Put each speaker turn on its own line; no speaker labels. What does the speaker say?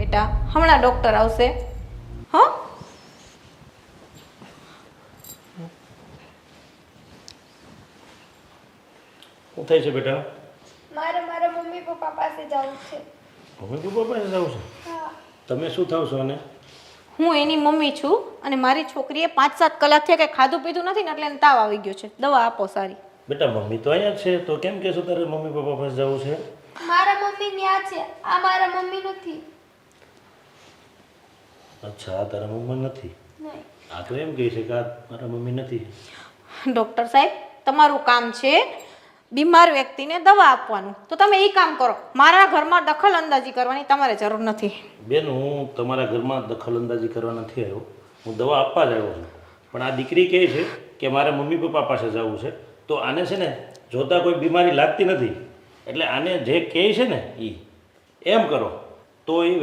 બેટા હમણાં ડૉક્ટર આવશે. હા
શું થાય છે બેટા?
મારે મારા મમ્મી પપ્પા પાસે જવું છે.
મમ્મી પપ્પા પાસે જવું છે?
હા.
તમે શું થાવ છો? અને
હું એની મમ્મી છું અને મારી છોકરીએ 5-7 કલાક થયા કે ખાધું પીધું નથી ને એટલે એને તાવ આવી ગયો છે. દવા આપો સારી.
બેટા મમ્મી તો અહીંયા જ છે, તો કેમ કહેશો તારે મમ્મી પપ્પા પાસે જવું છે?
મારા મમ્મી ન્યા છે, આ મારા મમ્મી નથી.
અચ્છા, આ તારા મમ્મી નથી?
નહીં.
આ તો એમ કહે છે કે આ મારા મમ્મી નથી.
ડૉક્ટર સાહેબ તમારું કામ છે બીમાર વ્યક્તિને દવા આપવાનું, તો તમે એ કામ કરો. મારા ઘરમાં દખલ અંદાજી કરવાની તમારે જરૂર નથી.
બેન, હું તમારા ઘરમાં દખલ અંદાજી કરવા નથી આવ્યો, હું દવા આપવા જ આવ્યો છું. પણ આ દીકરી કહે છે કે મારે મમ્મી પપ્પા પાસે જવું છે, તો આને છે ને જોતા કોઈ બીમારી લાગતી નથી, એટલે આને જે કહે છે ને એ એમ કરો તો એ